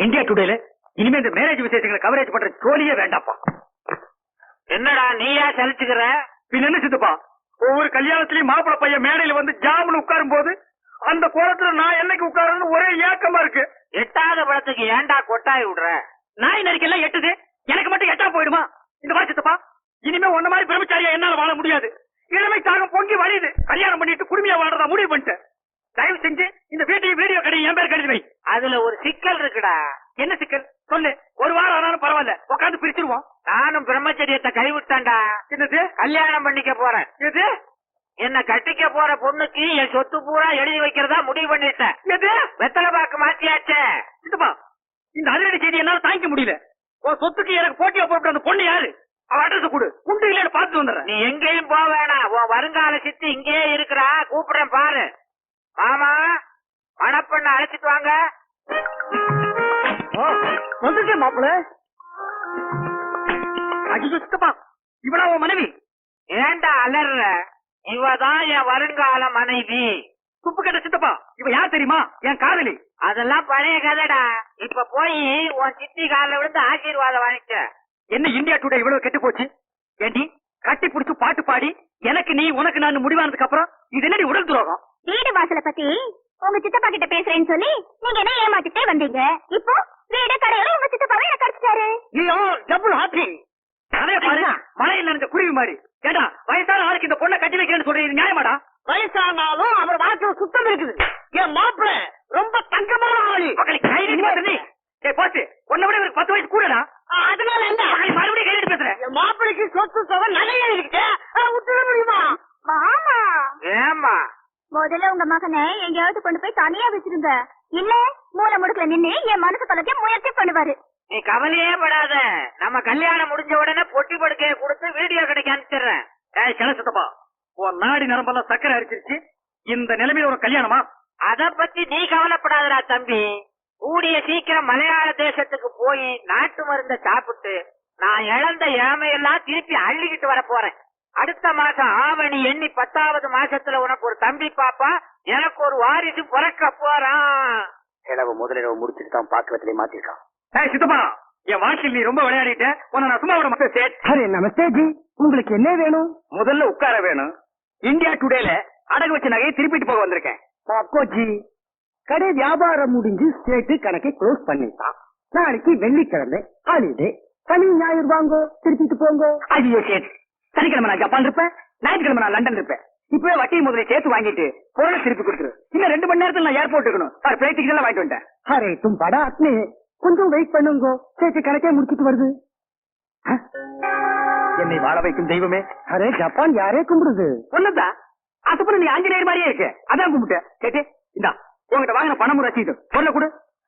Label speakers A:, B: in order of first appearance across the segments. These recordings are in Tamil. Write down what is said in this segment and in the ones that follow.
A: இந்தியா டுடேல இனிமே இந்த மேரேஜ் விசேஷங்களை கவரேஜ் பண்ற ஜோலியே வேண்டாப்பா.
B: என்னடா நீயா சலிச்சுக்கிற?
A: பின்ன என்ன சித்தப்பா, ஒவ்வொரு கல்யாணத்திலயும் மாப்பிள பையன் மேடையில வந்து ஜாமுன்னு உட்காரும் போது அந்த கோலத்துல நான் என்னைக்கு உட்காருன்னு ஒரே ஏக்கமா இருக்கு.
B: எட்டாத படத்துக்கு ஏன்டா கொட்டாய் விடுற?
A: நாய் நரிக்கெல்லாம் எட்டுது, எனக்கு மட்டும் எட்டா போயிடுமா? இந்த மாதிரி சித்தப்பா, இனிமே ஒன்ன மாதிரி பிரம்மச்சாரியா என்னால வாழ முடியாது. இளமை தாகம் பொங்கி வழியுது. கல்யாணம் பண்ணிட்டு குடுமையா வாழறதா முடிவு பண்ணிட்டேன். தயவு செஞ்சு இந்த வீட்டையும் வீடியோ கடையும் என் பேர் கழுதி வை.
B: அதுல ஒரு சிக்கல் இருக்குடா.
A: என்ன சிக்கல் சொல்லு. ஒரு வாரம் ஆனாலும் பரவாயில்ல, உட்காந்து பிரிச்சிருவோம்.
B: நானும் பிரம்மச்சரியத்தை கைவிட்டேன்டா.
A: என்னது?
B: கல்யாணம் பண்ணிக்க போறேன்.
A: எது?
B: என்ன கட்டிக்க போற பொண்ணுக்கு என் சொத்து பூரா எழுதி வைக்கிறதா முடிவு பண்ணிட்டேன்.
A: எது?
B: வெத்தலை பாக்கு மாத்தியாச்சே.
A: சித்தப்பா, இந்த அதிரடி செய்தி என்னால தாங்கிக்க முடியல. உன் சொத்துக்கு எனக்கு போட்டியா போட்டு அந்த பொண்ணு யாரு? அவ அட்ரஸ் கொடு, உண்டு இல்லன்னு பாத்துட்டு வந்துடுறேன்.
B: நீ எங்கேயும் போக வேணாம். உன் வருங்கால சித்தி இங்கேயே இருக்கிறா. கூப்பிடுறேன் பாரு. மாமா, மணப்பெண்ண அழைச்சிட்டு வாங்க.
A: வந்துட்டே மாப்பிள. அஜிஜோ சித்தப்பா, இவளா உன் மனைவி?
B: ஏண்டா அலற? இவதான் என் வருங்கால மனைவி.
A: துப்பு கட்ட சித்தப்பா, இவ யார் தெரியுமா? என் காதலி.
B: அதெல்லாம் பழைய கதைடா. இப்ப போய் உன் சித்தி காலில் விழுந்து ஆசீர்வாதம் வாங்கிக்க.
A: என்ன இந்தியா டுடே இவ்வளவு கெட்டு போச்சு? ஏண்டி கட்டி புடிச்சு பாட்டு பாடி எனக்கு நீ உனக்கு நான் முடிவானதுக்கு அப்புறம் இது என்னடி உடல் துரோகம்?
C: வீடு வாசலை பத்தி உங்க சித்தப்பா கிட்ட பேசுறேன்னு சொல்லி நீங்க என்ன ஏமாத்திட்டே வந்தீங்க. இப்போ வீடு கடையில உங்க சித்தப்பாவே என்ன கிடைச்சிட்டாரு.
A: நீயோ டபுள் ஹாப்பிங். அதே பாரு, மழையில் நனைஞ்ச குருவி மாதிரி. கேட்டா வயசான ஆளுக்கு இந்த பொண்ணை கட்டி வைக்கிறேன்னு சொல்றீங்க, நியாயமாடா?
B: வயசானாலும் அவர் வாழ்க்கை சுத்தம் இருக்குது. என் மாப்பிள்ள ரொம்ப தங்கமான ஆளு.
A: போச்சு, உன்னை விட இவருக்கு 10 வயசு கூடடா.
B: அதனால என்ன?
A: மறுபடியும் கையிட்டு பேசுறேன்.
B: என் மாப்பிளைக்கு சொத்து தொகை நிறைய இருக்கு. விட்டுட முடியுமா?
C: மாமா,
B: ஏமா
C: முதல்ல உங்க மகனை எங்கேயாவது கொண்டு போய் தனியா வச்சிருங்க. இல்ல மூல முடுக்கல நின்னு என் மனசு பலத்தையும் முயற்சி பண்ணுவாரு.
B: நீ கவலையே படாத. நம்ம கல்யாணம் முடிஞ்ச உடனே பொட்டி படுக்கையை கொடுத்து வீடியோ கிடைக்க அனுப்பிச்சிடுறேன்.
A: சித்தப்பா, உன் நாடி நரம்பெல்லாம் சக்கரை அடிச்சிருச்சு. இந்த நிலைமையில ஒரு கல்யாணமா?
B: அத பத்தி நீ கவலைப்படாதடா தம்பி. கூடிய சீக்கிரம் மலையாள தேசத்துக்கு போய் நாட்டு மருந்த சாப்பிட்டு நான் இழந்த ஏமையெல்லாம் திருப்பி அள்ளிக்கிட்டு வர போறேன். அடுத்த மாசம் ஆவணி எண்ணி 10வது மாசத்துல உனக்கு ஒரு தம்பி பாப்பா, எனக்கு ஒரு வாரிசு பிறக்க போறான்.
A: செலவு முதலிரவு முடிச்சுட்டு தான் பாக்குறதுல மாத்திருக்கான். சித்தப்பா, என் வாழ்க்கையில் நீ ரொம்ப விளையாடிட்ட. உன்னை நான் சும்மா விட மாட்டேன்.
D: அரே நமஸ்தே ஜி, உங்களுக்கு என்ன வேணும்?
A: முதல்ல உட்கார வேணும். இந்தியா டுடேல அடகு வச்ச நகையை திருப்பிட்டு போக வந்திருக்கேன்.
D: பாக்கோ ஜி, கடை வியாபாரம் முடிஞ்சு ஸ்டேட் கணக்கை க்ளோஸ் பண்ணிட்டான். நாளைக்கு வெள்ளிக்கிழமை ஹாலிடே. சனி ஞாயிறு வாங்கோ, திருப்பிட்டு போங்க.
A: ஐயோ சேட், சனிக்கிழமை நான் ஜப்பான் இருப்பேன், ஞாயிற்றுக்கிழமை நான் லண்டன் இருப்பேன். இப்பவே வட்டி முதல்ல சேர்த்து வாங்கிட்டு பொருளை திருப்பி கொடுத்துரு. இன்னும் 2 மணி நேரத்தில் நான் ஏர்போர்ட் இருக்கணும். பிளைட் டிக்கெட் எல்லாம் வாங்கிட்டு வந்துட்டேன்.
D: அரே தும் படா அத்னே, கொஞ்சம் வெயிட் பண்ணுங்க. ஸ்டேட் கணக்கே முடிச்சிட்டு வருது.
A: என்னை வாழ வைக்கும் தெய்வமே.
D: அரே ஜப்பான் யாரே கும்பிடுது?
A: ஒண்ணுதான். அதுக்கப்புறம் நீ ஆஞ்சநேயர் மாதிரியே இருக்கு, அதான் கும்பிட்டேன். கேட்டு இந்தா உங்ககிட்ட வாங்கின பணமும் ரசீது பொருளை கொடு.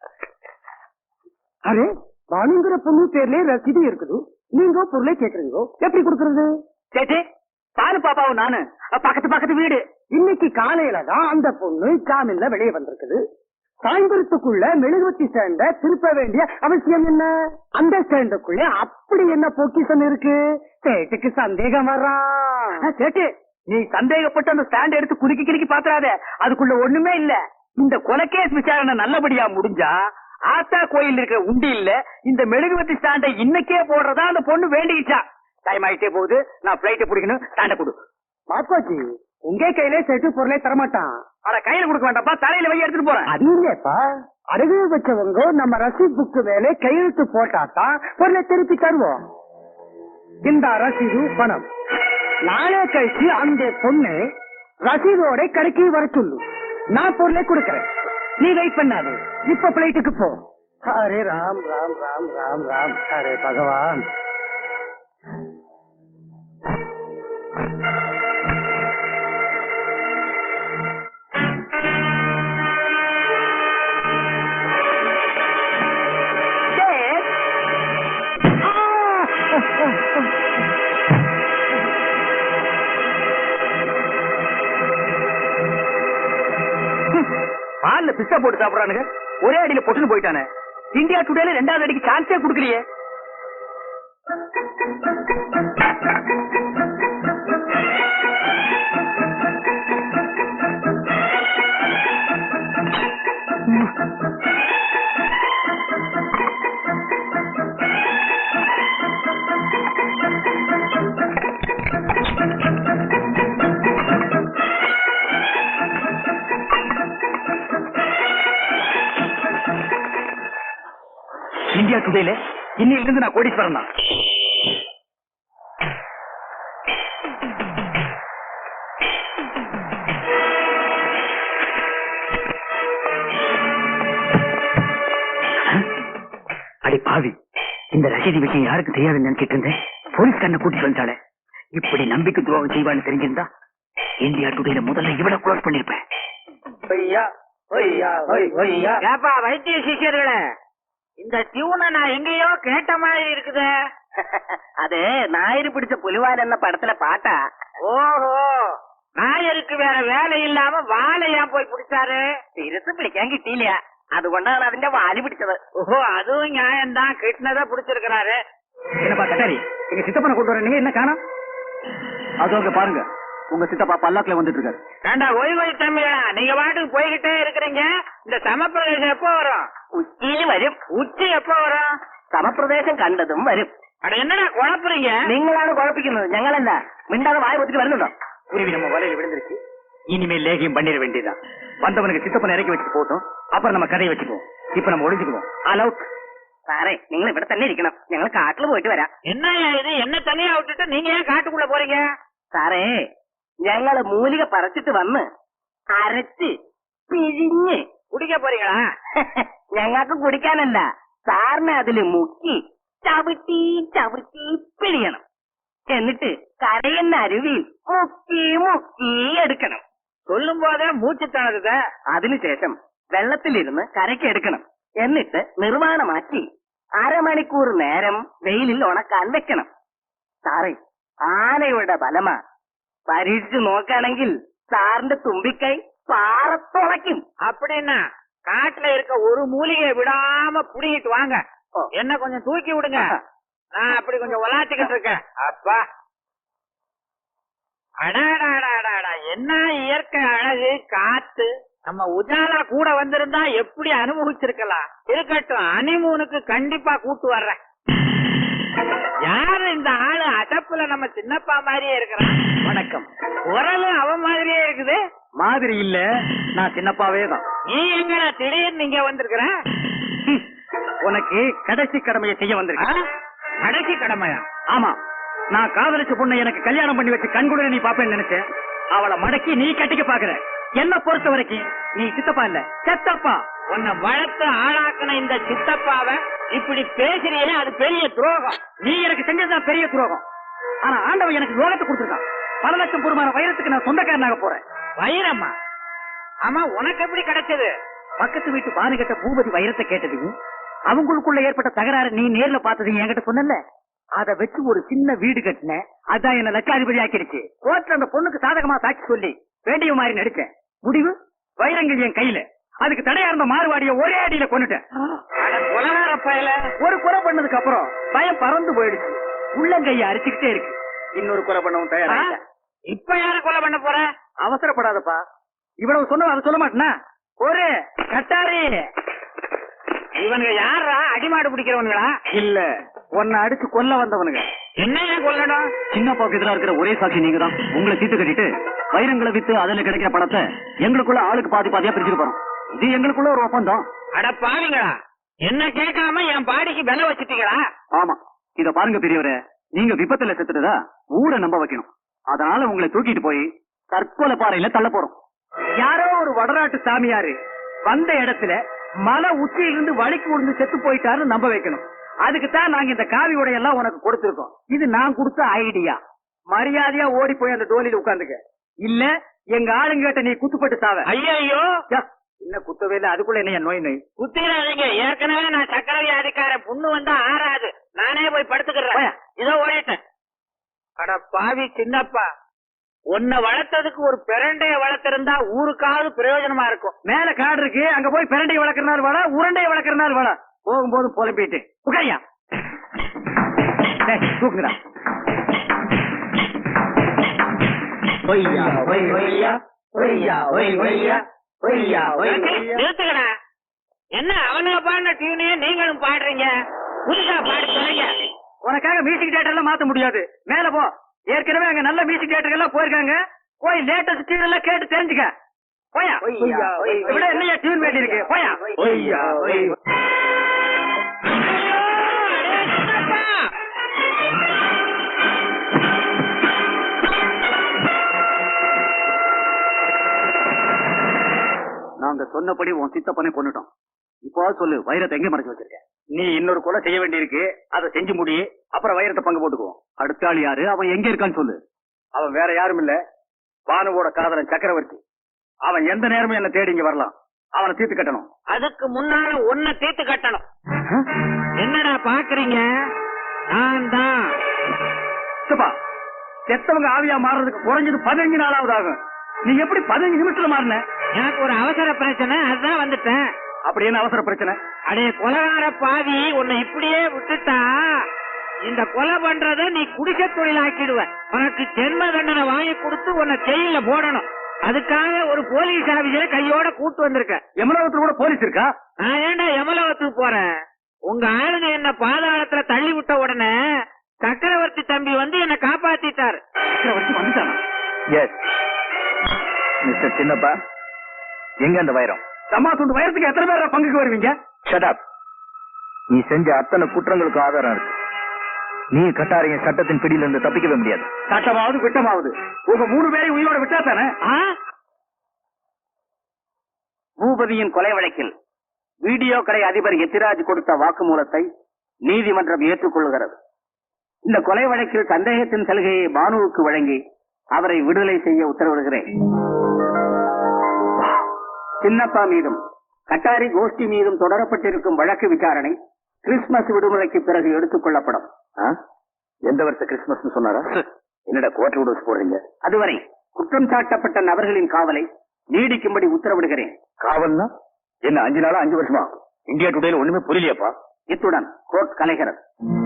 D: அரே வாணுங்கிற பொண்ணு பேர்ல ரசீது இருக்குது, நீங்க பொருளை கேக்குறீங்க, எப்படி கொடுக்கறது?
A: கேட்டு பாரு பாப்பாவும் நானு பக்கத்து பக்கத்து வீடு.
D: இன்னைக்கு காலையில தான் அந்த பொண்ணு ஜாமீன்ல வெளியே வந்திருக்குது. சாயந்தரத்துக்குள்ள மெழுகுவத்தி ஸ்டாண்ட திருப்ப வேண்டிய அவசியம் என்ன? அந்த ஸ்டாண்டுக்குள்ள அப்படி என்ன பொக்கிஷன் இருக்கு? சேட்டுக்கு சந்தேகம் வர்றான்.
A: சேட்டு, நீ சந்தேகப்பட்டு அந்த ஸ்டாண்ட் எடுத்து குலுக்கி கிலுக்கி பாத்துறாத, அதுக்குள்ள ஒண்ணுமே இல்ல. இந்த கொலைகேஸ் விசாரணை நல்லபடியா முடிஞ்சா ஆத்தா கோயில் இருக்கிற உண்டி இல்ல இந்த மெழுகுவத்தி ஸ்டாண்டை இன்னைக்கே போடுறதா அந்த பொண்ணு வேண்டிக்கிச்சா. டைம் ஆயிட்டே போகுது, நான் பிளைட் பிடிக்கணும். ஸ்டாண்ட கொடு.
D: பாப்பாச்சி, உங்க கையில செட்டு பொருளை தரமாட்டான்.
A: அட கையில கொடுக்க வேண்டாப்பா, தலையில வை எடுத்துட்டு போறேன்.
D: அது இல்லப்பா, அடகு வச்சவங்க நம்ம ரசீது புக்கு மேல கையெழுத்து போட்டாதான் பொருளை திருப்பி தருவோம். இந்த ரசீது பணம் நாளே கழிச்சு அந்த பொண்ணு ரசீதோட கடைக்கு வர சொல்லு. நான் பொருளை கொடுக்கறேன், நீ வெயிட் பண்ணாது. இப்ப பிளைட்டுக்கு போ. அரே ராம் ராம் ராம் ராம் ராம், அரே பகவான்.
A: பால்ல பிஸ்தா போட்டு சாப்பிடுறானுங்க, ஒரே அடியில பொட்டுன்னு போயிட்டானே. இந்தியா டுடேல 2வது அடிக்கு சான்ஸே கொடுக்கலையே. இந்தியா டுடேல இன்னையில இருந்து நான் கோடீஸ்வரன் தான். அடி பாவி, இந்த ரசீதி விஷயம் யாருக்கு தெரியாதுன்னு நினைச்சிட்டு இருந்தேன். போலீஸ் கண்ணை கூட்டிட்டு வந்தாலே. இப்படி நம்பிக்கை துரோகம் செய்வான்னு தெரிஞ்சிருந்தா இந்தியா டுடேல முதல்ல இவ்வளவு க்ளோஸ் பண்ணிருப்பேன்.
B: ஏப்பா வைத்திய சிஷியர்களே, இந்த டியூனை நான் எங்கேயோ கேட்ட மாதிரி இருக்குது.
A: அது ஞாயிறு பிடிச்ச புலிவால் என்ன படத்துல பாட்டா?
B: ஓஹோ, நாயருக்கு வேற வேலை இல்லாம வாழை ஏன் போய் பிடிச்சாரு?
A: திருத்து பிடிக்கான் கிட்டிலையா, അതുകൊണ്ടാണ് അതിന്റെ വാല് പിടിച്ചത്.
B: ஓஹோ, அதுவும் நியாயம்தான். கிட்னதா பிடிச்சிருக்கிறாரு.
A: என்னப்பா கட்டாரி, எங்க சித்தப்பனை கொண்டு வர நீங்க என்ன காணோம்? அதோங்க பாருங்க, உங்க சித்தப்பா பல்லாக்குல வந்துட்டு இருக்காரு.
B: ஏண்டா ஓய்வு தம்பியா, நீங்க பாட்டுக்கு போய்கிட்டே இருக்கிறீங்க. இந்த சமப்பிரதேசம் எப்போ வரும்?
A: ഉച്ചയിൽ വരും.
B: உச்சி எப்போ வரும்?
A: സമപ്രദേശം കണ്ടതും വരും.
B: அட என்னடா குழப்புறீங்க?
A: നിങ്ങളാണ് കുഴപ്പിക്കുന്നത്, ഞങ്ങളല്ല. മിണ്ടാതെ വായ പൊത്തിട്ട് വരുന്നുണ്ടോ? குருவி நம்ம வலையில விழுந்துருச்சு. இனிமேல் லேகியம் பண்ணிட வேண்டியதான். வந்தவனுக்கு சித்தப்பனை இறக்கி வச்சுட்டு போட்டோம், அப்புறம் நம்ம கதையை வச்சுக்குவோம். இப்ப நம்ம ஒளிஞ்சுக்குவோம். All out. സാറേ, നിങ്ങൾ ഇവിടെ തന്നെ ഇരിക്കണം, ഞങ്ങൾ കാട്ടിൽ പോയിട്ട് വരാം.
B: என்ன இது, என்ன தனியா விட்டுட்டு நீங்க ஏன் காட்டுக்குள்ள போறீங்க?
A: സാറേ, ഞങ്ങള് മൂലിക പറിച്ചിട്ട് വന്ന് അരച്ച് പിഴിഞ്ഞ്
B: குடிக்க போறீங்களா?
A: ഞങ്ങൾക്ക് കുടിക്കാനല്ല, സാറിനെ അതില് മുക്കി ചവിട്ടി ചവിട്ടി പിഴിയണം. എന്നിട്ട് കരയുന്ന അരുവിയിൽ മുക്കി മുക്കി എടുക്കണം.
B: சொல்லும் போதே மூச்சு தണുது.
A: അതിനുശേഷം വെള്ളത്തിലിരുന്ന് കരയ്ക്ക് എടുക്കണം. എന്നിട്ട് നിർമ്മാണമാക്കി അരമണിക്കൂർ നേരം വെയിലിൽ ഉണക്കാൻ വെക്കണം. സാറേ, ആനയുടെ ബലമാ. പരീക്ഷിച്ചു നോക്കുകയാണെങ്കിൽ സാറിന്റെ തുമ്പിക്കൈ പാറത്തുളയ്ക്കും.
B: அப்படின்னா காட்டுல இருக்க ஒரு மூலிகையை விடாம புடிங்கிட்டு வாங்க. என்ன கொஞ்சம் தூக்கி விடுங்க, நான் அப்படி கொஞ்சம் உலாத்திக்கிட்டு இருக்கேன். அப்பா, அடாடாடாடாடா, என்ன இயற்கை அழகு, காத்து. நம்ம உஜாலா கூட வந்திருந்தா எப்படி அனுபவிச்சிருக்கலாம். இருக்கட்டும், ஹனிமூனுக்கு கண்டிப்பா கூட்டு வர்றேன். யாரு இந்த ஆளு? அடப்புல நம்ம சின்னப்பா மாதிரியே இருக்கிறான்.
A: வணக்கம்.
B: குரலு அவன் மாதிரியே இருக்குது.
A: மாதிரி இல்ல, நான் சின்னப்பாவே தான்.
B: நீ எங்கடா திடீர்னு நீங்க வந்திருக்கிற?
A: உனக்கு கடைசி கடமையை செய்ய வந்திருக்கேன்.
B: கடைசி கடமையா?
A: ஆமா, நான் காதலிச்ச பொண்ணை எனக்கு கல்யாணம் பண்ணி வச்சு கண்குளிர நீ பாப்பேன்னு நினைச்சேன். அவளை மடக்கி நீ கட்டிக்க பாக்குற. என்ன பொறுத்த வரைக்கும் நீ சித்தப்பா இல்ல, செத்தப்பா.
B: உன்னை வளர்த்து ஆளாக்குன இந்த சித்தப்பாவை இப்படி பேசுறியே, அது பெரிய துரோகம்.
A: நீ எனக்கு செஞ்சதுதான் பெரிய துரோகம். ஆனா ஆண்டவன் எனக்கு யோகத்தை கொடுத்திருக்கான். பல லட்சம் பொறுமான வைரத்துக்கு நான் சொந்தக்காரனாக போறேன்.
B: வைரம்மா? ஆமா, உனக்கு எப்படி கிடைச்சது?
A: பக்கத்து வீட்டு பானுகிட்ட பூபதி வைரத்தை கேட்டதையும் அவங்களுக்குள்ள ஏற்பட்ட தகராறு நீ நேர்ல பார்த்ததையும் என்கிட்ட சொன்னல. அதை வச்சு ஒரு சின்ன வீடு கட்டினேன். அதான் என்ன லட்சாதிபதி ஆக்கிடுச்சு. கோர்ட்ல அந்த பொண்ணுக்கு சாதகமா சாட்சி சொல்லி வேண்டிய மாதிரி நடிச்சேன். முடிவு, வைரங்கள் என் கையில. அதுக்கு தடையா இருந்த மாறுவாடிய ஒரே அடியில கொண்டுட்டேன். ஒரு கொலை பண்ணதுக்கு அப்புறம் பயம் பறந்து போயிடுச்சு. உள்ளங்கைய அரிச்சுக்கிட்டே இருக்கு. இன்னொரு கொலை பண்ணவும் தயாரா.
B: இப்ப யார கொலை பண்ண போற?
A: அவசரப்படாதப்பா. இவ்வளவு சொன்ன அதை சொல்ல மாட்டேனா? ஒரு கட்டாரி.
B: இவனுங்க யாரா? அடிமாடு பிடிக்கிறவனுங்களா?
A: இல்ல, உன்னை அடிச்சு கொல்ல வந்தவனுங்க.
B: என்ன கொல்லணும்?
A: சின்னப்பாவுக்கு எதிராக இருக்கிற ஒரே சாட்சி நீங்க தான். உங்களை தீர்த்து கட்டிட்டு வைரங்களை வித்து அதுல கிடைக்கிற பணத்தை எங்களுக்குள்ள ஆளுக்கு பாதி பாதியா பிரிச்சுட்டு போறோம். இது எங்களுக்குள்ள ஒரு ஒப்பந்தம்.
B: அட பாவிங்களா, என்ன கேட்காம என் பாடிக்கு விலை வச்சுட்டீங்களா?
A: ஆமா, இத பாருங்க பெரியவரே, நீங்க விபத்துல செத்துட்டதா ஊரை நம்ப வைக்கணும். அதனால உங்களை தூக்கிட்டு போய் தற்கொலை பாறையில தள்ள போறோம். யாரோ ஒரு வடநாட்டு சாமியாரு வந்த இடத்துல மலை உச்சியிலிருந்து வலிக்கு விழுந்து செத்து போயிட்டாருன்னு நம்ப வைக்கணும். அதுக்குத்தான் நாங்க இந்த காவி உடையெல்லாம் உனக்கு கொடுத்திருக்கோம். இது நான் கொடுத்த ஐடியா. மரியாதையா ஓடி போய் அந்த டோலியில உட்காந்துக்க. இல்ல எங்க ஆளுங்கிட்ட நீ குத்துப்பட்டு சாவ.
B: ஐயோ,
A: என்ன குத்தவே இல்ல, அதுக்குள்ள என்ன நோய் நோய்
B: குத்திராதீங்க. ஏற்கனவே நான் சக்கர வியாதிக்கார. புண்ணு வந்தா ஆறாது. நானே போய் படுத்துக்கிறேன். இதோ ஓடிட்டேன். அட பாவி சின்னப்பா, உன்னை வளர்த்ததுக்கு ஒரு பிரண்டைய வளர்த்திருந்தா ஊருக்காவது பிரயோஜனமா இருக்கும்.
A: மேல காடு இருக்கு, அங்க போய் பிரண்டையை வளர்க்கறனால வாழ, உருண்டையை வளர்க்கறனால வாழ. போகும்போது புலம்பிட்டு உட்காரியா தூக்குங்கடா.
B: நிறுத்துக்கடா. என்ன அவனுங்க பாடின டியூனையே நீங்களும் பாடுறீங்க? புதுசா பாடி சொல்லுங்க.
A: உனக்காக மியூசிக் தியேட்டர் எல்லாம் மாத்த முடியாது. மேல போ. ஏற்கனவே அங்க நல்ல மியூசிக் தியேட்டர் எல்லாம் போயிருக்காங்க. போய் லேட்டஸ்ட் டியூன் எல்லாம் கேட்டு தெரிஞ்சுக்க. போயா விட என்னையா டியூன் வேண்டி இருக்கு. போயா. நாங்க சொன்னபடி உன் சித்தப்பனை கொண்டுட்டோம். இப்போ சொல்லு, வைரத்தை எங்க மறைச்சு வச்சிருக்க? நீ இன்னொரு கொலை செய்ய வேண்டியிருக்கு, அதை செஞ்சு முடி, அப்புறம் வைரத்தை பங்கு போட்டுக்குவோம். அடுத்த ஆள் யாரு? அவன் எங்க இருக்கான்னு சொல்லு. அவன் வேற யாரும் இல்ல, பானுவோட காதலன் சக்கரவர்த்தி. அவன் எந்த நேரமும் என்ன தேடி இங்க வரலாம். அவனை தீர்த்து கட்டணும்.
B: அதுக்கு முன்னால ஒன்ன தீர்த்து கட்டணும். என்னடா பாக்குறீங்க? நான் தான்.
A: சித்தப்பா, செத்தவங்க ஆவியா மாறுறதுக்கு குறைஞ்சது 15 நாளாவது ஆகும். நீ எப்படி 15 நிமிஷத்துல மாறின?
B: எனக்கு ஒரு அவசர பிரச்சனை, அதுதான் வந்துட்டேன்.
A: அப்படி என்ன அவசர பிரச்சனை?
B: அடே கொலகார பாவி, உன்னை இப்படியே விட்டுட்டா இந்த கொலை பண்றத நீ குடிசை தொழிலாக்கிடுவ. உனக்கு ஜென்ம தண்டனை வாங்கி கொடுத்து உன்னை ஜெயில போடணும். அதுக்காக ஒரு போலீஸ் ஆபீசரை கையோட கூட்டு வந்திருக்க.
A: எமலோகத்துல கூட போலீஸ் இருக்கா?
B: நான் ஏன்டா எமலோகத்துக்கு போறேன்? உங்க ஆளுங்க என்ன பாதாளத்துல தள்ளி விட்ட உடனே சக்கரவர்த்தி தம்பி வந்து என்ன காப்பாத்திட்டாரு.
A: சக்கரவர்த்தி வந்துட்டானா?
E: எஸ் மிஸ்டர் சின்னப்பா, எங்க அந்த வைரம்?
A: சம்மா துண்டு வைரத்துக்கு எத்தனை பேர் பங்குக்கு வருவீங்க?
E: Shut up. நீ செஞ்ச அத்தனை குற்றங்களுக்கு ஆதாரம் இருக்கு. நீ கட்டாரிங்க சட்டத்தின் பிடியில இருந்து தப்பிக்கவே முடியாது.
A: சட்டமாவது குற்றமாவது உங்க 3 பேரையும் உயிரோட விட்டா தானே? பூபதியின் கொலை வழக்கில் வீடியோ கடை அதிபர் எத்திராஜ் கொடுத்த வாக்குமூலத்தை நீதிமன்றம் ஏற்றுக்கொள்கிறது. இந்த கொலை வழக்கில் சந்தேகத்தின் சலுகையை பானுவுக்கு வழங்கி அவரை விடுதலை செய்ய உத்தரவிடுகிறேன். சின்னப்பா மீதும் கட்டாரி கோஷ்டி மீதும் தொடரப்பட்டிருக்கும் வழக்கு விசாரணை கிறிஸ்துமஸ் விடுமுறைக்கு பிறகு எடுத்துக் கொள்ளப்படும்.
E: எந்த வருஷம் கிறிஸ்துமஸ் சொன்னாரா? என்னடா கோட்டை விட போடுறீங்க?
A: அதுவரை குற்றம் சாட்டப்பட்ட நபர்களின் காவலை நீடிக்கும்படி உத்தரவிடுகிறேன்.
E: காவல்னா என்ன? 5 நாளா 5 வருஷமா? இந்தியா டுடேல ஒண்ணுமே புரியலையாப்பா.
A: இத்துடன் கோர்ட் கலைகிறது.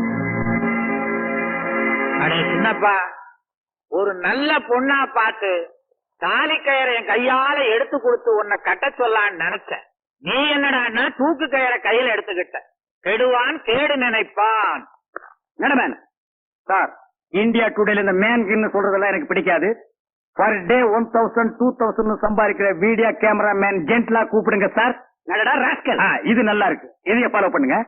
B: அடே சின்னப்பா, ஒரு நல்ல பொண்ணா பார்த்து தாலி கயிறை என் கையால எடுத்து கொடுத்து உன்னை கட்ட சொல்லான்னு நினைச்சேன். நீ என்னடா தூக்கு கயிறை கையில எடுத்துக்கிட்ட. கெடுவான் கேடு நினைப்பான்.
A: மேடம் சார், இந்தியா டுடேல இந்த மேன் சொல்றதெல்லாம் எனக்கு பிடிக்காது. பர் டே 1000 2000 சம்பாதிக்கிற வீடியோ கேமரா மேன் ஜென்ட்லா கூப்பிடுங்க சார். இது நல்லா இருக்கு. இதைய ஃபாலோ பண்ணுங்க.